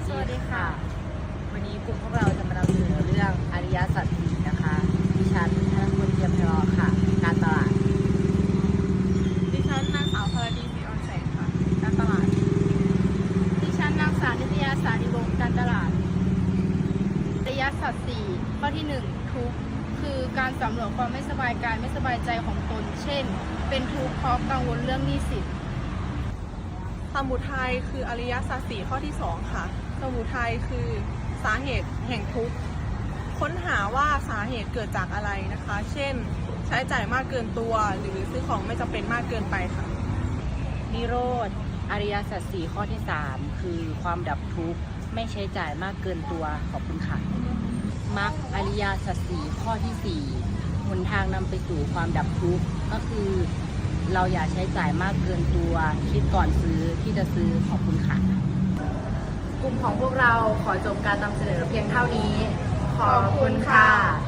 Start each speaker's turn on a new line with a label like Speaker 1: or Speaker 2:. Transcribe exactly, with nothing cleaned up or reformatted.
Speaker 1: สวัสดีค่ะวันนี้กลุ่มพวกเราจะมานำเสนอเรื่องอริยสัจสี่นะคะดิฉันธนพลเทียมพลอค่ะการตลาด
Speaker 2: ดิฉันนางสาวพรดีศรีอ่อนแสงค่ะการตลาด
Speaker 3: ดิฉันนางสาวนิตยาสาริวงศ์การตลาดอริยสัจสี่ข้อที่หนึ่งทุกข์คือการสำรวจความไม่สบายกายไม่สบายใจของตน เช่น เป็นทุกข์เพราะกังวลเรื่องหนี้สิน
Speaker 2: สมุทัยคืออริยสัจสี่ข้อที่สองค่ะสมุทัยคือสาเหตุแห่งทุกข์ค้นหาว่าสาเหตุเกิดจากอะไรนะคะ เช่นใช้จ่ายมากเกินตัวหรือซื้อของไม่จำเป็นมากเกินไปค่ะ
Speaker 1: นิโรธอริยสัจสี่ข้อที่สามคือความดับทุกข์ไม่ใช้จ่ายมากเกินตัวขอบคุณค่ะมรรคอริยสัจสี่ข้อที่สี่หนทางนำไปสู่ความดับทุกข์ก็คือเราอย่าใช้จ่ายมากเกินตัวคิดก่อนซื้อที่จะซื้อขอบคุณค่ะกลุ่มของพวกเราขอจบการนำเสนอเพียงเท่านี้ขอบคุณค่ะ